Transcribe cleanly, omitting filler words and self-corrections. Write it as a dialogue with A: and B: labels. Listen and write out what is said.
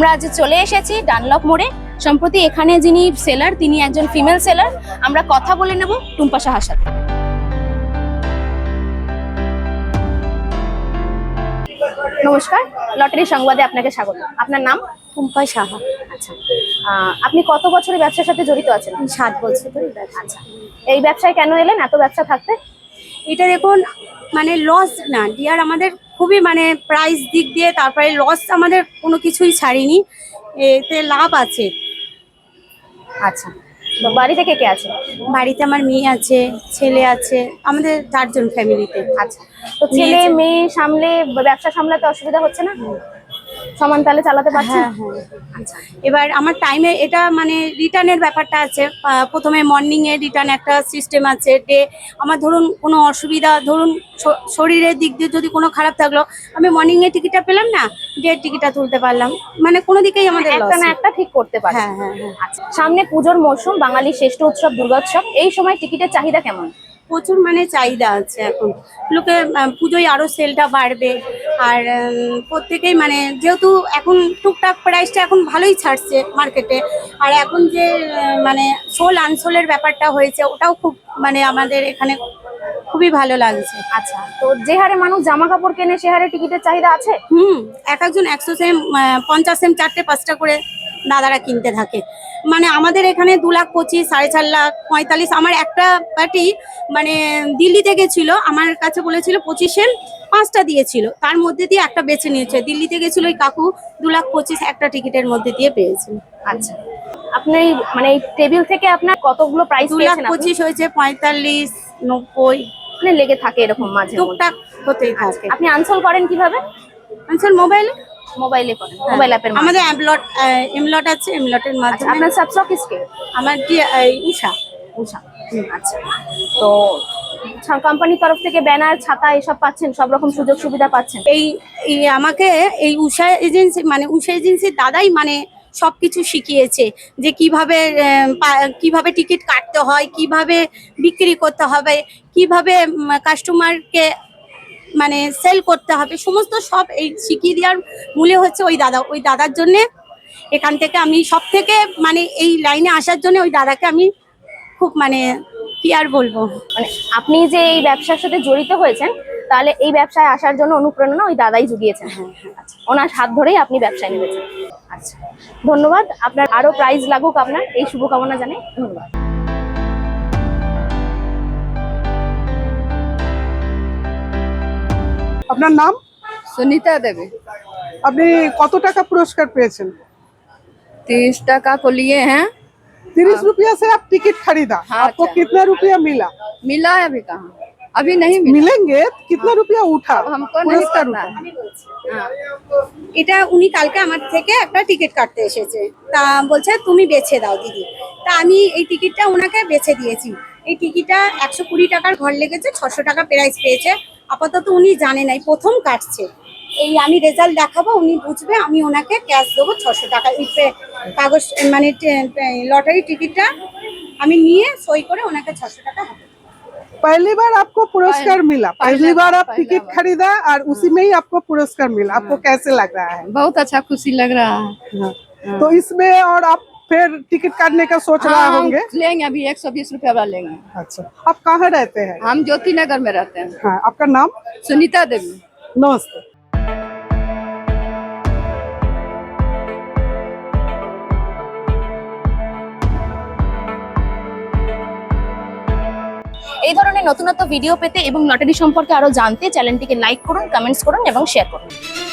A: আমরা আজ চলে এসেছি ডানলপ মোড়ে। সম্প্রতি এখানে যিনি সেলার তিনি একজন ফিমেল সেলার। আমরা কথা বলে নেব টুম্পা সাহার সাথে। নমস্কার, লটারি সংবাদে আপনাকে স্বাগত। আপনার নাম?
B: টুম্পা সাহা।
A: আচ্ছা, আপনি কত বছরের ব্যবসার সাথে জড়িত আছেন?
B: 7 বছর ধরে।
A: আচ্ছা, এই ব্যবসায় কেন এলেন এত ব্যবসা থাকতে?
B: এটা দেখুন মানে লস না ডিয়ার, আমাদের খুবই মানে প্রাইস দিক দিয়ে, তারপরে লস আমাদের কোনো কিছুই ছাড়িনি, এতে লাভ আছে।
A: আচ্ছা, তো বাড়িতে কে কে আছে?
B: বাড়িতে আমার মেয়ে আছে, ছেলে আছে, আমাদের 4 জন ফ্যামিলিতে।
A: আচ্ছা, তো ছেলে মেয়ে সামলে ব্যবসা সামলাতে অসুবিধা হচ্ছে না? সমান তালে চালাতে পারছেন?
B: হ্যাঁ। আচ্ছা, এবার আমার টাইমে এটা মানে রিটার্নের ব্যাপারটা আছে। প্রথমে মর্নিংয়ে রিটার্ন একটা সিস্টেম আছে। ডে আমার ধরুন কোনো অসুবিধা, ধরুন শরীরের দিক দিয়ে যদি কোনো খারাপ থাকলো, আমি মর্নিংয়ে টিকিটটা পেলাম না, ডে টিকিটটা তুলতে পারলাম, মানে কোনো দিকেই আমাদের
A: একটা না একটা ঠিক করতে পারে।
B: হ্যাঁ।
A: আচ্ছা, সামনে পুজোর মরশুম, বাঙালির শ্রেষ্ঠ উৎসব দুর্গোৎসব। এই সময় টিকিটের চাহিদা কেমন?
B: প্রচুর মানে চাহিদা আছে এখন। লোকে পুজোয় আরো সেলটা বাড়বে। আর প্রত্যেকেই মানে যেহেতু এখন টুকটাক প্রাইসটা এখন ভালোই ছাড়ছে মার্কেটে। আর এখন যে মানে সোল আনসোলের ব্যাপারটা হয়েছে, ওটাও খুব মানে আমাদের এখানে খুবই ভালো লাগছে।
A: আচ্ছা, তো যে হারে মানুষ জামা কাপড় কেনে সে হারে টিকিটের চাহিদা আছে?
B: একজন 100 সেম 50 সেম 4টে 5টা করে দাদারা কিনতে থাকে। মানে আমাদের এখানে 2,25,000, 4.5 লাখ, 45। আমার একটা পার্টি মানে দিল্লি থেকে ছিল, আমার কাছে বলেছিল 25 সেম, 5টা দিয়েছিল, তার মধ্যে দিয়ে একটা বেছে নিয়েছে। দিল্লি থেকে ছিল ওই কাকু, 2,25,000 একটা টিকিটের মধ্যে দিয়ে পেয়েছেন।
A: আচ্ছা, আপনি মানে এই টেবিল থেকে আপনার কতগুলো প্রাইস পেয়েছেন?
B: 2,25,000 হয়েছে, 45, 90
A: মানে লেগে থাকে এরকম মাঝে
B: টুকটাক হতেই থাকে।
A: আপনি আনসোল করেন কিভাবে?
B: আনসোল
A: মোবাইলে করেন? মোবাইল অ্যাপের মাধ্যমে?
B: আমাদের এমলট আছে, এমলটের মাধ্যমে।
A: আপনার সাবস্টকিস্ট কে?
B: আমার উষা।
A: আচ্ছা, তো কোম্পানির তরফ থেকে ব্যানার, ছাতা এসব পাচ্ছেন? সব রকম সুযোগ সুবিধা পাচ্ছেন?
B: এই আমাকে এই উষা এজেন্সির দাদাই মানে সবকিছু শিখিয়েছে, যে কিভাবে টিকিট কাটতে হয়, কিভাবে বিক্রি করতে হবে, কিভাবে কাস্টমারকে মানে সেল করতে হবে, সমস্ত সব এই শিখিয়ে দেওয়ার মূলে হচ্ছে ওই দাদার জন্য। এখান থেকে আমি সব থেকে মানে এই লাইনে আসার জন্য ওই দাদাকে আমি খুব মানে কি আর বলবো।
A: মানে আপনি যে এই ব্যবসার সাথে জড়িত হয়েছেন, তাহলে এই ব্যবসায় আসার জন্য অনুপ্রেরণা ওই দাদাই জুগিয়েছেন? আচ্ছা, ওনার হাত ধরেই আপনি ব্যবসায় নেমেছেন। আচ্ছা, ধন্যবাদ। আপনার আরো প্রাইজ লাগুক, আপনার এই শুভকামনা জানাই। ধন্যবাদ।
C: আপনার নাম?
D: सुनीता देवी।
C: আপনি কত টাকা পুরস্কার পেয়েছেন?
D: 30 टका को लिए हैं।
C: 30 रुपया से आप टिकट खरीदा।
D: हाँ,
C: आपको
D: अच्छा।
C: कितना रुपया मिला?
D: मिला है अभी कहाँ? अभी नहीं मिला।
C: मिलेंगे कितना रुपया उठा?
D: अब हमको नहीं
C: पुरस्कार
D: पता
C: उठा।
D: है। हाँ।
B: এটা উনি কালকে আমার থেকে একটা টিকিট কাটতে এসেছে, তা বলছে তুমি বেছে দাও দিদি। তা আমি এই টিকিটটা ওনাকে বেছে দিয়েছি। এই টিকিটটা 120 টাকার ঘর লেগেছে, 600 টাকা প্রাইস পেয়েছে। আপাতত উনি জানে নাই, প্রথম কাটছে। এই আমি রেজাল্ট দেখাবো, উনি বুঝবে, আমি ওনাকে ক্যাশ দেবো 600 টাকা। এই কাগজ মানে লটারি টিকিটটা আমি নিয়ে সই করে ওনাকে 600 টাকা হবে।
C: पहली बार आपको पुरस्कार मिला, पहली बार आप टिकट खरीदा और उसी में ही आपको पुरस्कार मिला। आपको कैसे लग रहा है?
D: बहुत अच्छा खुशी लग रहा है।
C: तो इसमें और आप फिर टिकट काटने का सोच रहा
D: हम
C: होंगे?
D: लेंगे अभी 120 रुपया वाला लेंगे।
C: अच्छा, आप कहाँ रहते हैं?
D: हम ज्योति नगर में रहते हैं।
C: हाँ, आपका नाम?
D: सुनीता देवी।
C: नमस्ते।
A: এই ধরনের নতুন নতুন ভিডিও পেতে এবং লটারি সম্পর্কে আরো জানতে চ্যানেলটিকে লাইক করুন, কমেন্টস করুন এবং শেয়ার করুন।